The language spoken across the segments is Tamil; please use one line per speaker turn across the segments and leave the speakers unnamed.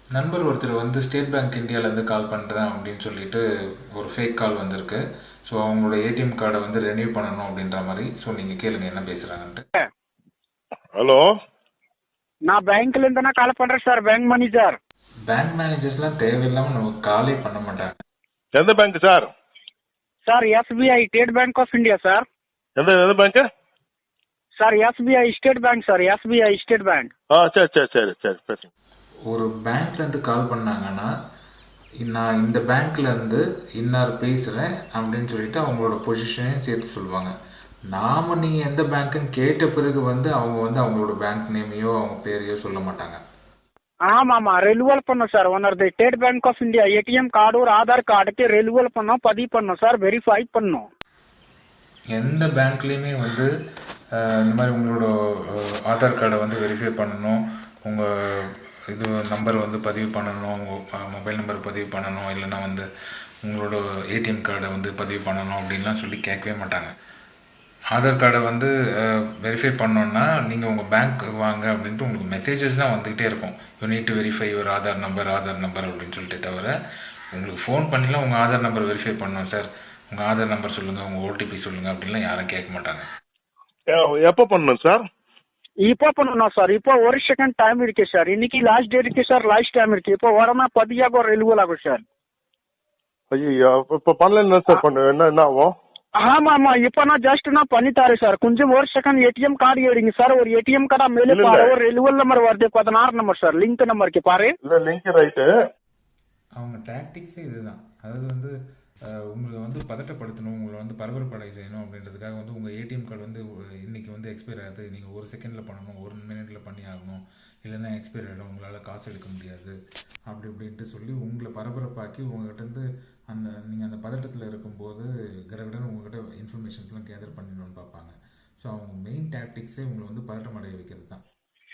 நண்பர் ஒருத்தர் வந்து ஸ்டேட் பேங்க் இந்தியாவிலேருந்து கால் பண்ணுறேன் அப்படின்னு சொல்லிட்டு ஒரு ஃபேக் கால் வந்திருக்கு. ஸோ அவங்களோட ஏடிஎம் கார்டை வந்து ரெனியூ பண்ணணும் அப்படின்ற மாதிரி. ஸோ நீங்கள் கேளுங்க என்ன பேசுகிறாங்கன்ட்டு.
ஹலோ,
நான் பேங்க்ல இருந்து கால் பண்றேன் சார். Bank manager.
பேங்க் மேனேஜர்ஸ்லாம் தேவையில்லாமல் நமக்கு காலே பண்ண மாட்டாங்க.
எந்த bank sir?
Sir SBI state bank of India sir.
எந்த எந்த bank?
Sir SBI state bank sir. SBI state bank.
சரி சரி சரி சரி பேசுங்க.
ஒரு பேங்க்லேருந்து கால் பண்ணாங்கன்னா நான் இந்த பேங்க்லேருந்து இன்னார் பேசுகிறேன் அப்படின்னு சொல்லிட்டு அவங்களோட பொசிஷனையும் சேர்த்து சொல்லுவாங்க. நாம் நீங்கள் எந்த பேங்க்குன்னு கேட்ட பிறகு வந்து அவங்க வந்து அவங்களோட பேங்க் நேமையோ அவங்க பேரையோ சொல்ல மாட்டாங்க.
ஆமாம் ரெனுவல் பண்ணோம் சார். ஒன்னது state bank of India ATM card ஒரு ஆதார் கார்டுக்கு ரெனுவல் பண்ணோம், பதிவு பண்ணோம் சார். வெரிஃபை பண்ணோம்.
எந்த பேங்க்லேயுமே வந்து இந்த மாதிரி உங்களோட ஆதார் கார்டை வந்து வெரிஃபை பண்ணணும், உங்கள் இது நம்பர் வந்து பதிவு பண்ணணும், உங்கள் மொபைல் நம்பர் பதிவு பண்ணணும், இல்லைன்னா வந்து உங்களோட ஏடிஎம் கார்டை வந்து பதிவு பண்ணணும் அப்படின்லாம் சொல்லி கேட்கவே மாட்டாங்க. ஆதார் கார்டை வந்து வெரிஃபை பண்ணோன்னா நீங்கள் உங்கள் பேங்க் வாங்க அப்படின்ட்டு உங்களுக்கு மெசேஜஸ் தான் வந்துக்கிட்டே இருக்கும். You need to verify your Aadhaar number அப்படின்னு சொல்லிட்டு தவிர உங்களுக்கு ஃபோன் பண்ணிலாம் உங்கள் ஆதார் நம்பர் வெரிஃபை பண்ணோம் சார், உங்கள் ஆதார் நம்பர் சொல்லுங்கள், உங்கள் ஓடிபி சொல்லுங்கள் அப்படின்லாம் யாரும் கேட்க மாட்டாங்க.
எப்போ பண்ணணும் சார்?
இப்போ பண்ணணும் சார். இப்போ ஒரு செகண்ட் டைம் இருக்கு சார். இன்னைக்கு லாஸ்ட் டேட் இருக்கு சார். லாஸ்ட் டைம் இருக்கு. இப்போ வரமா பதியாகும் ரெனுவல் ஆகும் சார்.
ஐயோ, இப்போ பண்ணல சார். என்ன ஆகும்?
ஆமா இப்போ நான் ஜஸ்ட் நான் பண்ணித்தாரேன் சார். கொஞ்சம் ஒரு செகண்ட் ஏடிஎம் கார்டு எடுங்க சார். ஒரு ஏடிஎம் கார்டா மேலே பாரு, ஒரு ரெனுவல் நம்பர் வருது 16 நம்பர் சார். லிங்க் நம்பருக்கு பாரு.
இல்ல லிங்க் ரைட்டு.
அவங்க டாக்டிக்ஸே இதுதான். அதாவது வந்து உங்களை வந்து பதட்டப்படுத்தணும், உங்களை வந்து பரபரப்படை செய்யணும் அப்படின்றதுக்காக வந்து உங்கள் ஏடிஎம் கார்டு வந்து இன்றைக்கி வந்து எக்ஸ்பைர் ஆகுது, நீங்கள் ஒரு செகண்டில் பண்ணணும், ஒரு மினிட்ல பண்ணி ஆகணும், இல்லைன்னா எக்ஸ்பைர் ஆகிடும், உங்களால் காசு எடுக்க முடியாது அப்படி இப்படின்ட்டு சொல்லி உங்களை பரபரப்பாக்கி உங்கள்கிட்ட நீங்கள் அந்த பதட்டத்தில் இருக்கும்போது கடகடன்னு உங்கள்கிட்ட இன்ஃபர்மேஷன்ஸ்லாம் கேதர் பண்ணிடணும்னு பார்ப்பாங்க. ஸோ அவங்க மெயின் டாக்டிக்ஸே உங்களை வந்து பதட்டம் அடைய வைக்கிறது தான்.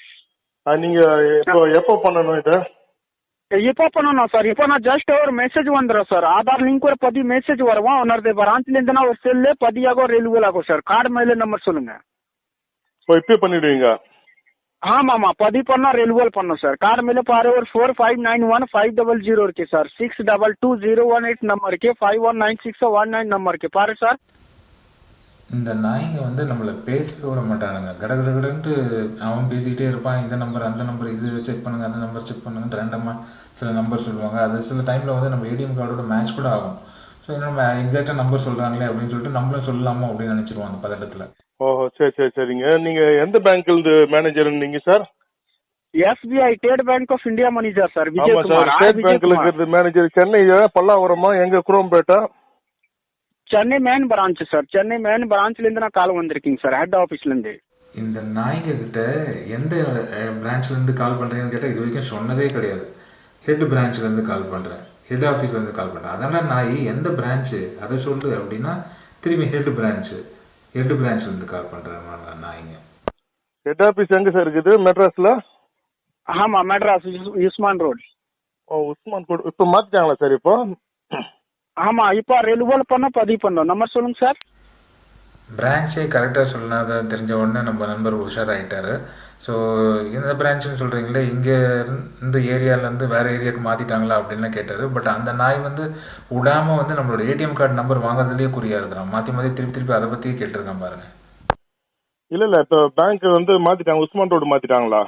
நீங்கள் எப்போ பண்ணணும் இதை?
இப்போ பண்ணணும் சார். இப்போ நான் ஜஸ்ட் ஒரு மெசேஜ் வந்துடும் சார். ஆதார் லிங்க் ஒரு பதி மெசேஜ் வருவோம். உன்னோட பிரான்ச்ல இருந்து ஒரு செல்லு பதியாகும் ரெனுவல் ஆகும் சார். கார்டு மேல நம்பர் சொல்லுங்க.
இப்போ பண்ணிடுவீங்க?
ஆமாம் பதிவு பண்ணா ரெனுவல் பண்ணும் சார். கார்டு மேல பாரு, ஒரு 4591 500 இருக்கு சார். 622018 நம்பர் இருக்கு. 519619 நம்பர் இருக்கு பாரு சார்.
இந்த நாய்ங்க வந்து நம்மளை பேசவே விட மாட்டானுங்க. கடகடன்ட்டு அவன் பேசிக்கிட்டே இருப்பான். இந்த நம்பர் அந்த நம்பர் இது செக் பண்ணுங்க, அந்த நம்பர் செக் பண்ணுங்கன்னு ரேண்டமாக சில நம்பர் சொல்லுவாங்க. அது சில டைமில் வந்து நம்ம ஏடிஎம் கார்டோட மேட்ச் கூட ஆகும். ஸோ நம்ம எக்ஸாக்டாக நம்பர் சொல்கிறாங்களே அப்படின்னு சொல்லிட்டு நம்மளும் சொல்லலாமா அப்படின்னு நினச்சிருவோம் அந்த பதட்டத்தில்.
ஓஹோ, சரி சரி சரிங்க. நீங்கள் எந்த பேங்க்லேருந்து மேனேஜர் நீங்கள் sir?
SBI state bank of India manager sir.
ஆமாம் சார். ஸ்டேட் பேங்க்ல இருக்கிறது மேனேஜர். சென்னை பல்லாவரமா? எங்க? குரோம்பேட்டா?
Chennai main branch sir. Chennai main பிரான்ச்ல இருந்து நான் கால் வந்திருக்கீங்க சார், ஹெட் ஆஃபீஸ்ல இருந்து.
இந்த நாய்ங்க கிட்ட எந்த பிரான்ச்ல இருந்து கால் பண்றீங்கன்னு கேட்டால் இது வரைக்கும் சொன்னதே கிடையாது. ஹெட் பிரான்ச்ல இருந்து கால் பண்றேன், ஹெட் ஆஃபீஸ்ல இருந்து கால் பண்றேன். அதெல்லாம் நாய் எந்த பிரான்ச்சு அதை சொல்லு அப்படின்னா திரும்பி ஹெட் பிரான்ச்ல இருந்து கால் பண்றேன் நாய்ங்க.
ஹெட் ஆஃபீஸ் எங்க சார் இருக்குது? மெட்ராஸ்ல?
ஆமா மெட்ராஸ் உஸ்மான் ரோட்.
ஓ, உஸ்மான் ரோட். இப்போ மாத்திட்டாங்களா சார்? இப்போ
ஆமா இப்போ ரெனுவல் பண்ண பதிவு பண்ணோம். நம்பர் சொல்லுங்க சார்.
பிரான்ச்சே கரெக்டாக சொல்லாத தெரிஞ்ச உடனே நம்ம நண்பர் உஷாராயிட்டாரு. ஸோ இந்த பிரான்ச்சுன்னு சொல்கிறீங்களே, இங்கே இந்த ஏரியாவிலேருந்து வேறு ஏரியாவுக்கு மாற்றிட்டாங்களா அப்படின்லாம் கேட்டார். பட் அந்த நாய் வந்து விடாமல் வந்து நம்மளோட ஏடிஎம் கார்டு நம்பர் வாங்குறதுலேயே குறியா இருக்கிறான். மாற்றி திருப்பி அதை பற்றியே கேட்டிருக்கான் பாருங்க.
இல்லை இப்போ பேங்க் வந்து மாற்றிட்டாங்க, உஸ்மான் ரோடு மாற்றிட்டாங்களா?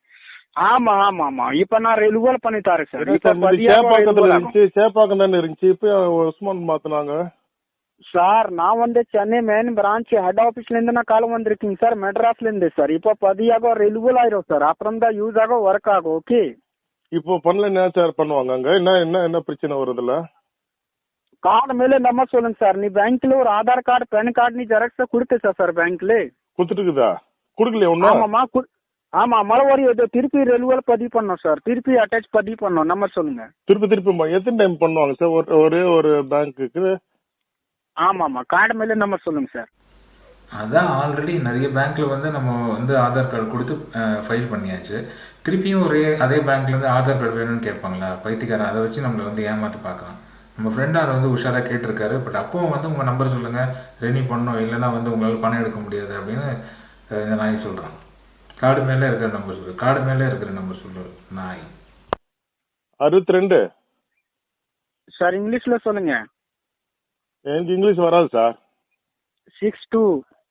ஆமா இப்ப நான் ரெனுவல் பண்ணி தரேன் சார்.
சேப்பாக்கத்துல இருந்துச்சு, சேப்பாக்கம் தானே இருந்துச்சு, இப்போ உஸ்மான் மாத்தினாங்க
சார். நான் வந்து சென்னை மெயின் பிரான்ச் ஹெட் ஆஃபீஸ்ல இருந்து நான் கால் வந்திருக்கீங்க சார், மெட்ராஸ்ல இருந்து சார். இப்போ பதியாக ரெனுவல் ஆயிரும் சார். அப்புறம் தான் யூஸ் ஆகும், ஒர்க் ஆகும். ஓகே
இப்போ பண்ணல என்ன சார் பண்ணுவாங்க? அங்க என்ன பிரச்சனை வருதுல்ல?
கார்டு மேல நம்பர் சொல்லுங்க சார். நீ பேங்க்ல ஒரு ஆதார் கார்டு பேன் கார்டு நீ ஜெராக்ஸ் கொடுத்த சார் பேங்க்ல
கொடுத்துட்டுக்குதா? கொடுக்கலையா ஒன்னும்?
ஆமா மறுபடியும் திருப்பி ரெனுவல் பதிவு பண்ணோம் சார். திருப்பி அட்டாச் பதிவு பண்ணோம். நம்பர் சொல்லுங்க.
திருப்பி எத்தனை டைம் பண்ணுவாங்க சார் ஒரே ஒரு பேங்க்குக்கு?
ஆமாமா கார்டு மேல நம்பர் சொல்லுங்க சார்.
அதான் ஆல்ரெடி நிறைய பேங்க்ல வந்து நம்ம வந்து ஆதார் கார்டு கொடுத்து ஃபைல் பண்ணியாச்சு. திருப்பியும் அதே பேங்க்லேருந்து ஆதார் கார்டு வேணும்னு கேட்பாங்களா பைத்தியக்காரன்? அதை வச்சு நம்மளை வந்து ஏமாற்றி பார்க்கலாம். நம்ம ஃப்ரெண்டு அதை வந்து உஷாராக கேட்டிருக்காரு. பட் அப்போவும் வந்து உங்கள் நம்பர் சொல்லுங்கள், ரெனியூ பண்ணணும், இல்லைன்னா வந்து உங்களால் பணம் எடுக்க முடியாது அப்படின்னு இந்த நாய் சொல்கிறான். கார்டு மேலே இருக்கிற நம்பர் சொல்லு நாய்.
62.
சார் இங்கிலீஷ்ல சொல்லுங்க.
எனக்கு இங்கிலீஷ் வராது சார்.
62.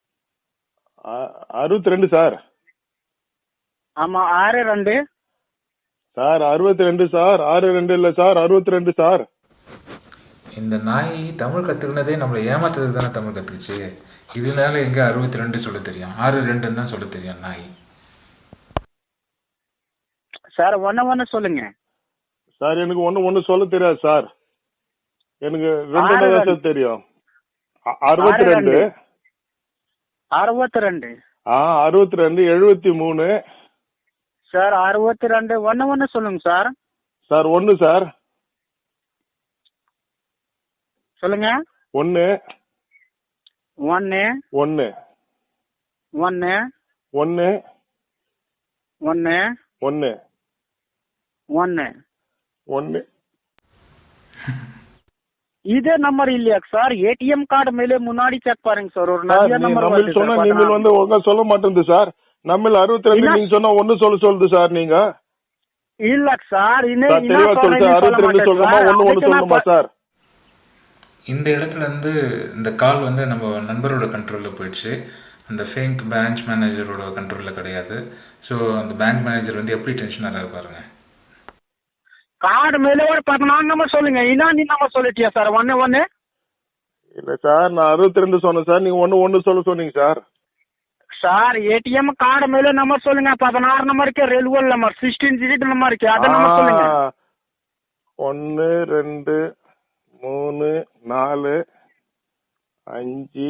62 சார்.
ஆமா 62
சார் 62 சார். 62 இல்ல சார், 62 சார்.
இந்த நாய் தமிழ் கற்றுக்கினதே நம்மளை ஏமாத்துறதுக்கு தானே தமிழ் கற்றுக்குச்சு. இதனால எங்கே 62 சொல்ல தெரியும், 62 தான் சொல்ல தெரியும் நாய்.
சார் ஒன்னு சொல்லுங்க.
சார் எனக்கு ஒண்ணு சொல்ல தெரியாது சார். எனக்கு 2 தான் தெரியும். 62.
62.
62 73.
சார் 62 ஒன்னு சொல்லுங்க சார்.
Sir 1 sir.
சொல்லுங்க.
1
1
1
1
1
1
1
1.
1.
இதே நம்பர் இல்லையா சார்? ஏடிஎம் கார்டு மேலே முன்னாடி செக் பாருங்க சார். ஒரு நிறைய நம்பர்
நம்ம சொன்னா நீங்க வந்து ஒழுங்கா சொல்ல மாட்டேங்குது சார். நம்ம 62 நீங்க சொன்னா 1 சொல்லுது சார். நீங்க
இல்ல சார்
தெளிவா சொல்லுங்க. 62 சொல்லுமா 1 சொல்லுமா சார்?
இந்த இடத்துல இருந்து இந்த கால் வந்து நம்ம நண்பரோட கண்ட்ரோலில் போயிடுச்சு. அந்த ஃபேங்க் பேங்க் மேனேஜரோட கண்ட்ரோலில் கிடையாது. ஸோ அந்த பேங்க் மேனேஜர் வந்து எப்படி டென்ஷனாக இருப்பாருங்க.
கார்டு மேலே ஒரு 14 நம்பர் சொல்லுங்க. நீ நம்பர் சொல்லிட்டியா சார்? 1 1
இல்ல சார், நான் 62 சொன்னேன் சார். நீங்க 1 சொல்ல சொன்னீங்க சார்.
சார் ஏடிஎம் கார்டு மேலே நம்பர் சொல்லுங்க. 16 நம்பர் இருக்கு, ரெல்வல் நம்பர் 16 டிஜிட் நம்பர் இருக்கு, அத நம்பர் சொல்லுங்க.
1 2 3 4 5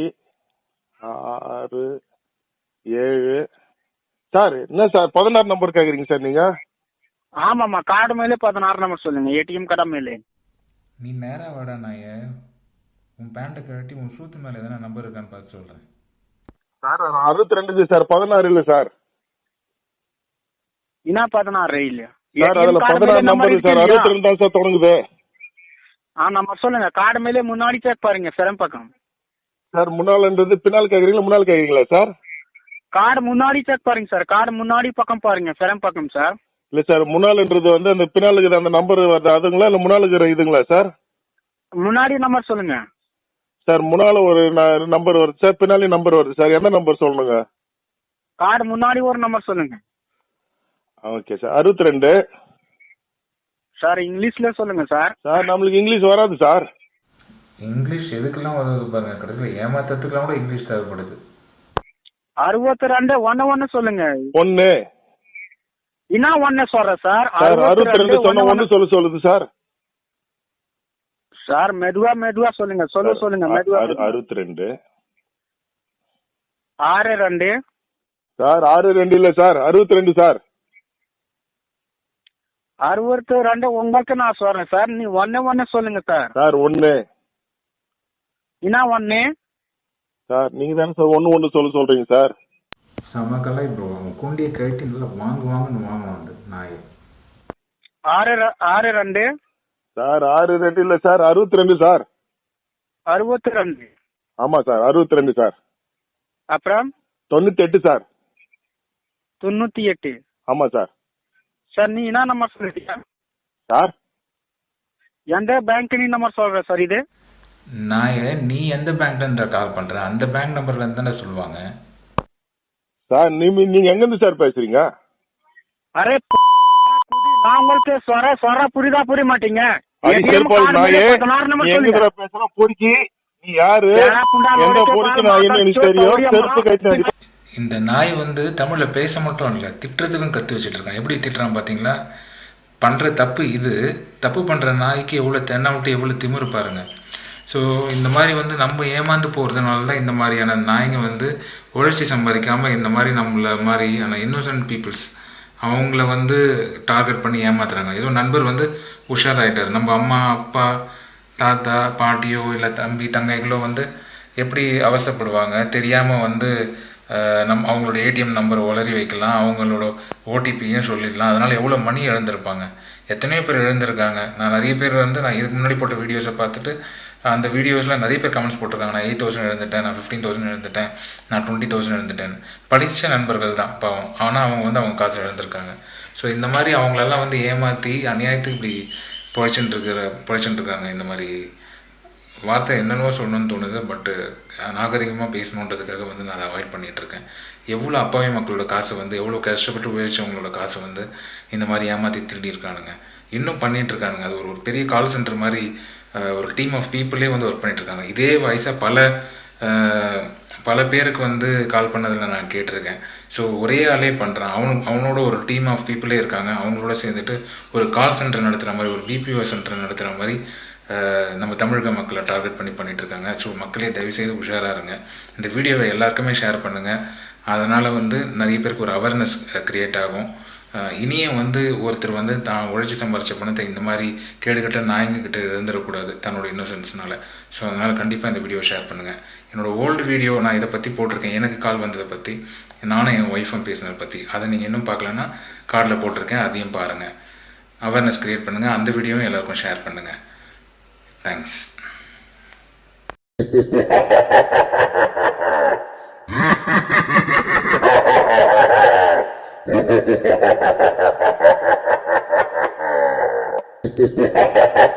6 7. சார் என்ன சார் 16 நம்பர் கேக்குறீங்க சார் நீங்க?
ஆமாம்மா கார்டு மேலே 16 நம்பர் சொல்லுங்க. ஏடிஎம் கார்டு மேலே.
நீ நேரா வாடா நாய, உன் பேண்ட்டை கழட்டி உன் சூத்து மேலே எதனா நம்பர் இருக்கான்னு பார்த்து சொல்கிறேன்.
சார் 62 சார், 16 இல்ல சார்.
16 இல்ல
சார் அதுல 16 நம்பர் சார், 62 தான் சார் தொடங்குது.
நம்பர் சொல்லுங்க. கார்டு மேலே முன்னாடி செக் பாருங்க, சிரம் பக்கம்.
சார் முன்னாலன்றது பின்னால் கேக்குறீங்களா முன்னால் கேக்குறீங்களா சார்?
கார்டு முன்னாடி செக் பாருங்க சார். கார்டு முன்னாடி பக்கம் பாருங்க, சிரம் பக்கம் சார்.
இல்ல சார், முன்னால்ன்றது வந்து அந்த பின்னாலுக்கு அந்த நம்பர் வருது அதுங்களா இல்ல முன்னாலுக்கு இதுங்களா சார்?
முன்னாடி நம்பர் சொல்லுங்க
சார். முன்னால ஒரு நம்பர் வருது சார், பின்னாலே நம்பர் வருது சார். என்ன நம்பர் சொல்லணுங்க?
கார்டு முன்னாடி ஒரு நம்பர் சொல்லுங்க.
Okay sir. 62
சார். இங்கிலீஷ்ல சொல்லுங்க சார்.
சார் நம்மளுக்கு இங்கிலீஷ் வராது சார்.
இங்கிலீஷ் எதுக்கெல்லாம் உதவுது பாருங்க, கடைசியில் ஏமாத்தத்துக்கெல்லாம் கூட இங்கிலீஷ் தேவைப்படுது.
62 1 சொல்லுங்க.
1
என்ன 1 சொல்ற சார்?
62 சொன்ன 1 சொல்லுது சார்.
சார் மெதுவா சொல்லுங்க. சொல்லுங்க மெதுவா.
62
62
சார். 62 இல்ல சார், 62 சார்.
62 உங்களுக்கு நான் சொல்றேன் சார். நீ 1 சொல்லுங்க சார்.
சார் 1
என்ன 1
சார்? நீங்க தானே சார் 1 சொல்றீங்க சார்.
சமக்கெல்லாம் இப்போ குண்டியை கழட்டி நல்லா வாங்கணும்னு வாங்கணும் நாய்.
62
சார் 62 இல்ல சார், 62 சார்.
62
ஆமா சார், 62 சார்.
அப்புறம்
98 சார்.
98
ஆமா சார்.
சார் நீ என்ன நம்பர் சொல்லிட்டியா
சார்?
எந்த பேங்க் நீ நம்பர் சொல்ற சார்? இது
நாயை நீ எந்த பேங்க்ல கால் பண்ற, அந்த பேங்க் நம்பர்ல இருந்து தானே சொல்லுவாங்க
சார். நீங்க எங்க இருந்து சார் பேசுறீங்க?
அரே நான் உங்களுக்கு சொல்ற புரிய மாட்டீங்க.
இந்த நாய் வந்து தமிழ்ல பேச மட்டும் இல்ல, திட்டுறதுக்கும் கத்து வச்சுட்டு இருக்கான். எப்படி திட்டுறான் பாத்தீங்களா? பண்ற தப்பு இது. தப்பு பண்ற நாய்க்கு எவ்வளவு தென்னாவிட்டு எவ்வளவு திமிரு பாருங்க. ஸோ இந்த மாதிரி வந்து நம்ம ஏமாந்து போகிறதுனால தான் இந்த மாதிரியான நாய்ங்க வந்து உழைச்சி சம்பாதிக்காமல் இந்த மாதிரி நம்மள மாதிரியான இன்னோசன்ட் பீப்புள்ஸ் அவங்கள வந்து டார்கெட் பண்ணி ஏமாத்துறாங்க. ஏதோ நண்பர் வந்து உஷாராயிட்டார். நம்ம அம்மா அப்பா தாத்தா பாட்டியோ இல்லை தம்பி தங்கைகளோ வந்து எப்படி அவசரப்படுவாங்க தெரியாமல் வந்து அவங்களோட ஏடிஎம் நம்பரை உளறி வைக்கலாம், அவங்களோட ஓடிபியும் சொல்லிடலாம். அதனால் எவ்வளோ மணி இழந்திருப்பாங்க, எத்தனையோ பேர் இழந்திருக்காங்க. நான் நிறைய பேர் வந்து நான் இதுக்கு முன்னாடி போட்ட வீடியோஸை பார்த்துட்டு அந்த வீடியோஸில் நிறைய பேர் கமெண்ட்ஸ் போட்டிருக்காங்க, நான் 8,000 இழந்துட்டேன், நான் 15,000 இழந்துட்டேன், நான் 20,000 இழந்துட்டேன். படித்த நண்பர்கள் தான் பாவம், ஆனால் அவங்க வந்து அவங்க காசு இழந்திருக்காங்க. ஸோ இந்த மாதிரி அவங்களெல்லாம் வந்து ஏமாற்றி அநியாயத்துக்கு இப்படி பிழைச்சிட்டு இருக்காங்க. இந்த மாதிரி வார்த்தை என்னென்னவோ சொல்லணும்னு தோணுது, பட்டு நாகரிகமாக பேசணுன்றதுக்காக வந்து நான் அதை அவாய்ட் பண்ணிகிட்ருக்கேன். எவ்வளோ அப்பாவி மக்களோட காசை வந்து, எவ்வளோ கஷ்டப்பட்டு உழைச்சவங்களோட காசை வந்து இந்த மாதிரி ஏமாற்றி திருடி இருக்கானுங்க, இன்னும் பண்ணிகிட்ருக்கானுங்க. அது ஒரு பெரிய கால் சென்டர் மாதிரி ஒரு டீம் ஆஃப் பீப்புளே வந்து ஒர்க் பண்ணிகிட்ருக்காங்க. இதே வயசாக பல பேருக்கு வந்து கால் பண்ணதில் நான் கேட்டிருக்கேன். ஸோ ஒரே ஆளே பண்ணுறான், அவனோட ஒரு டீம் ஆஃப் பீப்புளே இருக்காங்க. அவங்களோட சேர்ந்துட்டு ஒரு கால் சென்டர் நடத்துகிற மாதிரி, ஒரு பிபிஓ சென்டர் நடத்துகிற மாதிரி நம்ம தமிழக மக்களை டார்கெட் பண்ணிகிட்ருக்காங்க. ஸோ மக்களே தயவுசெய்து உஷாராக இருங்க. இந்த வீடியோவை எல்லாருக்குமே ஷேர் பண்ணுங்கள். அதனால் வந்து நிறைய பேருக்கு ஒரு அவேர்னஸ் க்ரியேட் ஆகும். இனியும் வந்து ஒருத்தர் வந்து தான் உழைச்சி சம்பாரித்த பணத்தை இந்த மாதிரி கேடுகட்ட நாயங்கக்கிட்ட இருந்துடக்கூடாது தன்னோட இன்னோசன்ஸ்னால. ஸோ அதனால் கண்டிப்பாக இந்த வீடியோ ஷேர் பண்ணுங்கள். என்னோடய ஓல்டு வீடியோ நான் இதை பற்றி போட்டிருக்கேன், எனக்கு கால் வந்ததை பற்றி, நானும் என் ஒய்ஃபும் பேசினதை பற்றி. அதை நீங்கள் இன்னும் பார்க்கலன்னா கார்டில் போட்டிருக்கேன், அதையும் பாருங்கள். அவேர்னஸ் க்ரியேட் பண்ணுங்கள். அந்த வீடியோவும் எல்லாருக்கும் ஷேர் பண்ணுங்கள். Thanks. Ha ha ha ha ha!